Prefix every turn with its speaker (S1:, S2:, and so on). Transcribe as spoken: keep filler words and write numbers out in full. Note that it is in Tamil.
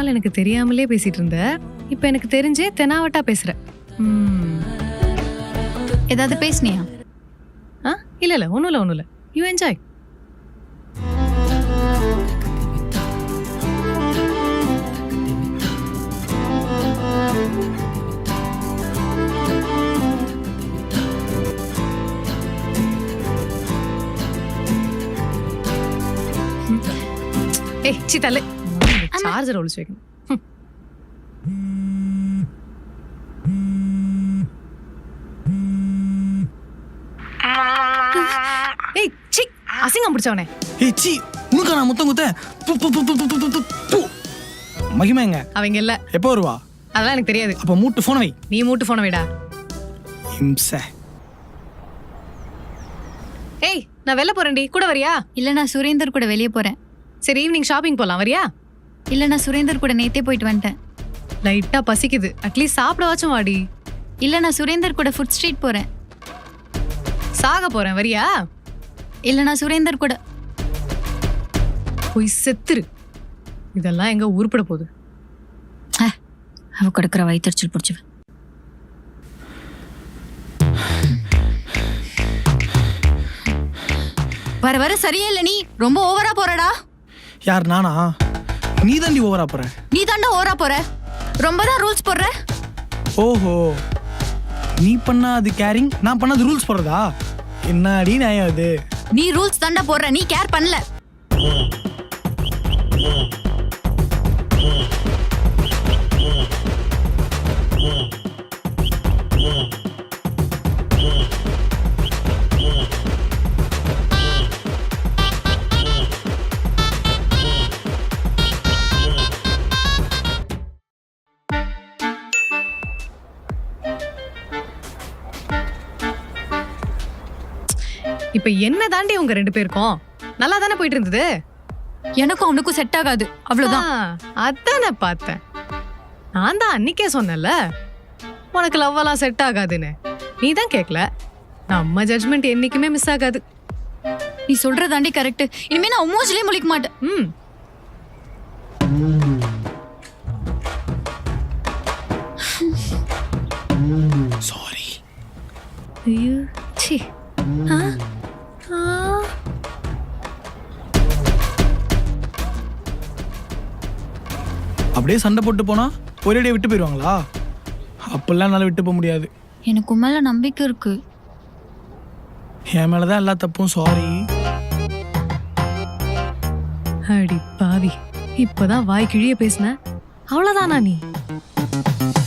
S1: நாள் எனக்கு தெரியாமலே பேசிட்டு இருந்த, இப்ப எனக்கு தெரிஞ்சே தெனாவட்டா பேசுற. ம்.
S2: ஏதாவது பேசுனியா?
S1: ஆ இல்ல இல்ல ஒண்ணும் இல்ல ஒண்ணும் இல்ல. You enjoy. ஏய் சி தலை, சார்ஜர் ஒளிச்சு வைக்கணும். ஏய் சி அசிங்கம் பிடிச்சவனே.
S3: ஏய் சி உனக்கு நான் முத்தம் குத்த. து து து து து து து. மகிமா எங்க?
S1: அவங்க இல்ல.
S3: எப்போ வருவா?
S1: அதெல்லாம் எனக்கு தெரியாது.
S3: அப்ப மூட்டு போன் வை.
S1: நீ மூட்டு போன வைடா.
S3: இம்ச.
S1: ஏய் நான் வெளில போறேன்டி, கூட வரியா?
S2: இல்ல நான் சுரேந்தர் கூட வெளியே போறேன்.
S1: சரி ஈவினிங் ஷாப்பிங் போலாம், வரியா?
S2: இல்ல நான் சுரேந்தர் கூட நேத்தே போயிட்டு வந்துட்டேன்.
S1: லைட்டா பசிக்குது, அட்லீஸ்ட் சாப்பிடவாச்சும் வாடி.
S2: இல்ல நான் சுரேந்தர் கூட ஃபுட் ஸ்ட்ரீட் போறேன்.
S1: சாக போறேன், வரியா?
S2: இல்ல நான் சுரேந்தர் கூட.
S1: போய் செத்துரு. இதெல்லாம் எங்க உருப்பட போகுது?
S2: அவ கொடுக்குற வயிற்றுச்சல் பிடிச்சவ. வர வர சரியே இல்ல, நீ ரொம்ப ஓவரா போறடா.
S3: யார் நானா? நீ தாண்டி ஓவரா போற.
S2: நீ தாண்டா ஓவரா போற, ரொம்ப தான் ரூல்ஸ் போடுற.
S3: ஓஹோ, நீ பண்ணா அது கேரிங், நான் பண்ணா அது ரூல்ஸ் போடுறதா? என்னடி நியாயம் அது?
S2: நீ ரூல்ஸ் தாண்டா போடுற, நீ கேர் பண்ணல.
S1: இப்ப என்ன தாண்டி உங்க ரெண்டு பேருக்கும் நல்லா தானே போயிட்டு இருந்தது?
S2: எனக்கும் அவனுக்கும் செட் ஆகாது, அவ்வளவுதான்.
S1: அதானே பார்த்தேன். நான் தான் அன்னைக்கே சொன்னேன்ல உனக்கு லவ் எல்லாம் செட் ஆகாதுன்னு. நீ தான் கேட்கல. நம்ம ஜட்ஜ்மெண்ட் என்னைக்குமே மிஸ் ஆகாது.
S2: நீ சொல்றதாண்டி கரெக்ட். இனிமே நான் மூஞ்சிலே முழிக்க மாட்டேன்.
S1: ம்.
S3: சாரி.
S1: ஐயோ சி. ஆ ஆ
S3: அப்படியே சண்டை போட்டு போனா ஒரேடியே விட்டு போயிடுவாங்களா? அப்பெல்லாம் என்னால விட்டு போக முடியாது.
S2: எனக்கு மேல நம்பிக்கை இருக்கு.
S3: என் மேலதான் எல்லா தப்பும். சாரி.
S1: அடி பாவி, இப்பதான் வாய் கிழிய பேசின, அவ்வளவுதானா நீ?